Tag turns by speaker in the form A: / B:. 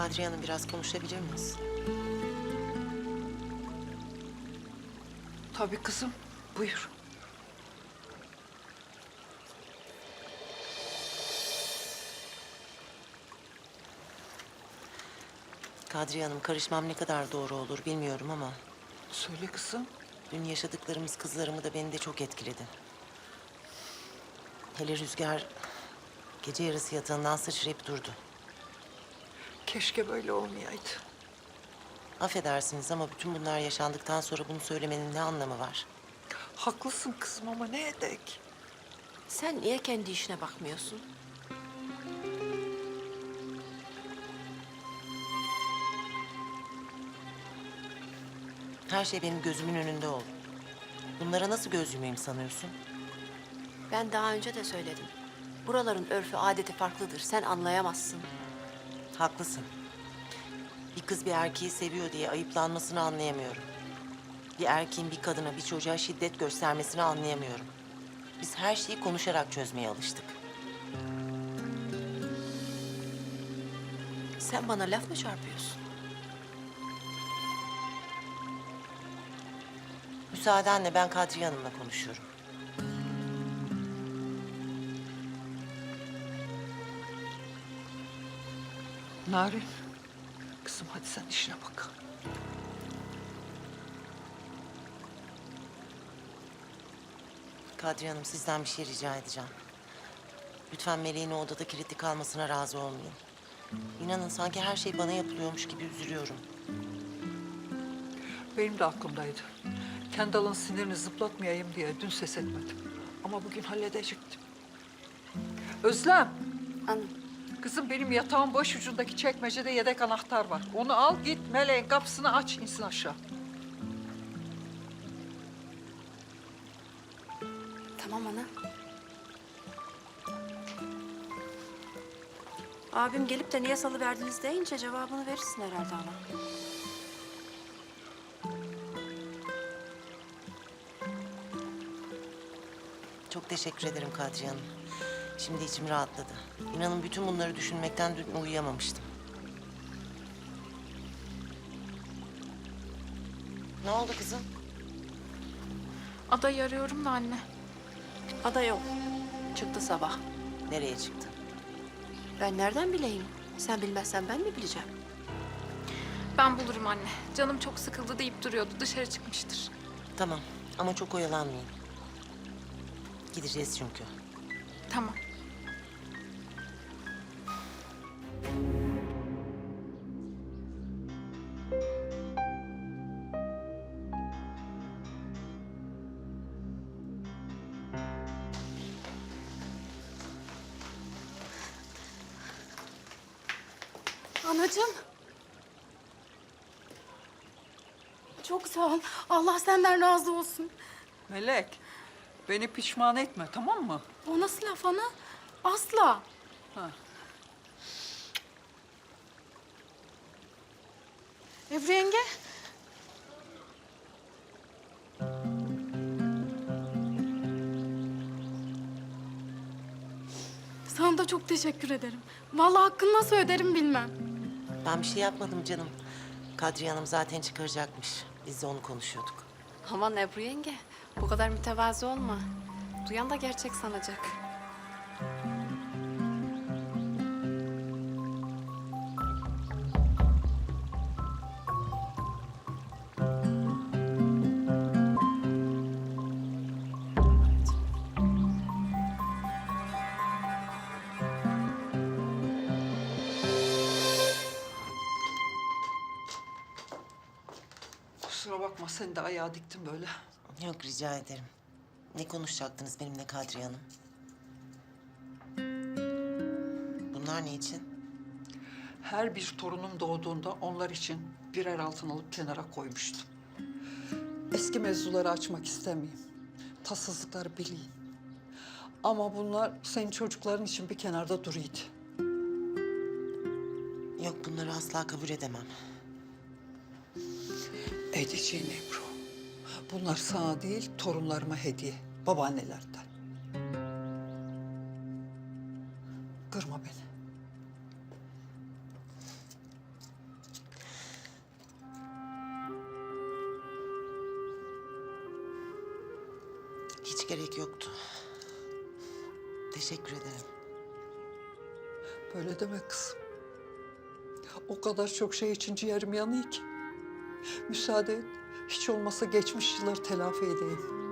A: Kadriye Hanım biraz konuşabilir miyiz?
B: Tabii kızım, buyur.
A: Kadriye Hanım karışmam ne kadar doğru olur bilmiyorum ama...
B: Söyle kızım.
A: ...dün yaşadıklarımız kızlarımı da beni de çok etkiledi. Hele Rüzgar gece yarısı yatağından sıçrayıp durdu.
B: Keşke böyle olmayaydı.
A: Affedersiniz ama bütün bunlar yaşandıktan sonra bunu söylemenin ne anlamı var?
B: Haklısın kızım ama ne edek?
C: Sen niye kendi işine bakmıyorsun?
A: Her şey benim gözümün önünde oldu. Bunlara nasıl göz yumayım sanıyorsun?
C: Ben daha önce de söyledim. Buraların örfü, adeti farklıdır. Sen anlayamazsın.
A: Haklısın. Bir kız bir erkeği seviyor diye ayıplanmasını anlayamıyorum. Bir erkeğin bir kadına, bir çocuğa şiddet göstermesini anlayamıyorum. Biz her şeyi konuşarak çözmeye alıştık.
C: Sen bana laf mı çarpıyorsun?
A: Müsaadenle ben Kadriye Hanım'la konuşuyorum.
B: Narin, kızım hadi sen işine bak.
A: Kadriye Hanım sizden bir şey rica edeceğim. Lütfen Meleğin o odada kilitli kalmasına razı olmayın. İnanın sanki her şey bana yapılıyormuş gibi üzülüyorum.
B: Benim de aklımdaydı. Kendall'ın sinirini zıplatmayayım diye dün ses etmedim. Ama bugün halledecektim. Özlem,
C: Hanım,
B: kızım benim yatağın baş ucundaki çekmecede yedek anahtar var. Onu al git Meleğin kapısını aç insin aşağı.
C: tamam ana. Abim gelip de niye salıverdiniz deyince cevabını verirsin herhalde ana.
A: Çok teşekkür ederim Kadriye Hanım. Şimdi içim rahatladı. İnanın bütün bunları düşünmekten dün uyuyamamıştım. Ne oldu kızım?
D: Adayı arıyorum da anne.
C: Ada yok. Çıktı sabah.
A: Nereye çıktı?
C: Ben nereden bileyim? Sen bilmezsen ben mi bileceğim?
D: Ben bulurum anne. Canım çok sıkıldı deyip duruyordu. Dışarı çıkmıştır.
A: Tamam ama çok oyalanmayın. Gideceğiz çünkü.
D: Tamam.
E: Anacığım. Çok sağ ol. Allah senden razı olsun.
B: Melek, beni pişman etme tamam mı?
E: O nasıl laf ana? Asla.
B: Ha.
E: Ebru yenge. Sana da çok teşekkür ederim. Vallahi hakkını nasıl öderim bilmem.
A: Ben bir şey yapmadım canım. Kadriye Hanım zaten çıkaracakmış. Biz de onu konuşuyorduk.
C: Aman Ebru yenge, bu kadar mütevazı olma. Duyan da gerçek sanacak.
B: Kusura bakma sen de ayağa diktin böyle.
A: Yok rica ederim. Ne konuşacaktınız benimle Kadriye Hanım? Bunlar ne için?
B: Her bir torunum doğduğunda onlar için birer altın alıp kenara koymuştum. Eski mevzuları açmak istemeyeyim. Tatsızlıkları bileyim. Ama bunlar senin çocukların için bir kenarda duruydu.
A: Yok bunları asla kabul edemem.
B: Edeceğin Ebru. Bunlar sana değil, torunlarıma hediye. Babaannelerden. Kırma beni.
A: Hiç gerek yoktu. Teşekkür ederim.
B: Böyle deme kızım. O kadar çok şey için ciğerim yanıyor ki. Müsaade et, hiç olmasa geçmiş yılları telafi edeyim.